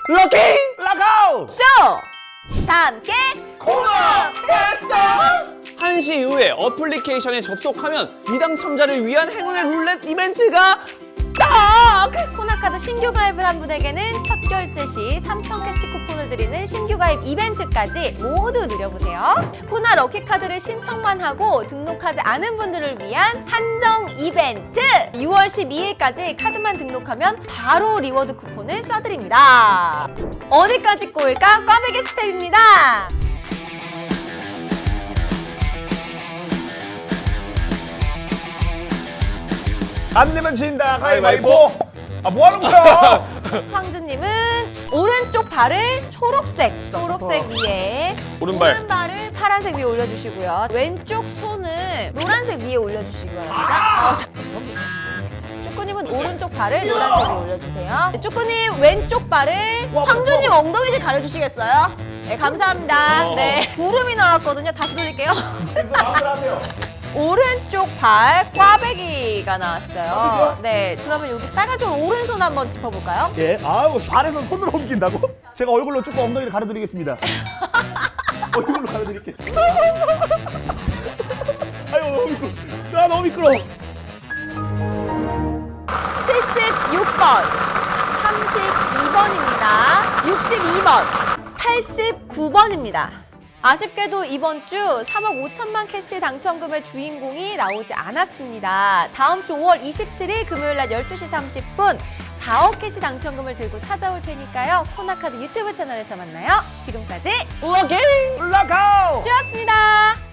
럭키 락아웃 쇼! 다 함께 코너 페스타 1시 이후에 어플리케이션에 접속하면 미당첨자를 위한 행운의 룰렛 이벤트가 딱! 코나카드 신규 가입을 한 분에게는 첫 결제 시 3,000캐시 쿠폰을 드리는 신규 가입 이벤트까지 모두 누려보세요. 코나 럭키카드를 신청만 하고 등록하지 않은 분들을 위한 한정 이벤트! 6월 12일까지 카드만 등록하면 바로 리워드 쿠폰을 쏴드립니다. 어디까지 꼬일까? 꽈배기 스텝입니다. 안 내면 진다 가위바위보. 아 뭐하는 거야? 황주님은 오른쪽 발을 초록색 위에 오른발. 오른발을 파란색 위에 올려주시고요. 왼쪽 손을 노란색 위에 올려주시기 바랍니다. 쭈꾸님은 오른쪽 발을 노란색 위에 올려주세요. 쭈꾸님 왼쪽 발을 황주님 엉덩이 좀 가려주시겠어요? 네, 감사합니다. 네, 구름이 나왔거든요. 다시 돌릴게요. 오른쪽 발 꽈배기가 나왔어요. 네, 그러면 여기 빨간쪽 오른손 한번 짚어볼까요? 예, 아우 발에서 손으로 옮긴다고? 제가 얼굴로 조금 엉덩이를 가려드리겠습니다. 얼굴로 가려드릴게요. 아유 너무 미끄러. 아 너무 미끄러. 76번, 32번입니다. 62번, 89번입니다. 아쉽게도 이번 주 3억 5천만 캐시 당첨금의 주인공이 나오지 않았습니다. 다음 주 5월 27일 금요일 날 12시 30분 4억 캐시 당첨금을 들고 찾아올 테니까요. 코나카드 유튜브 채널에서 만나요. 지금까지 럭키 락아웃. 쭈였습니다.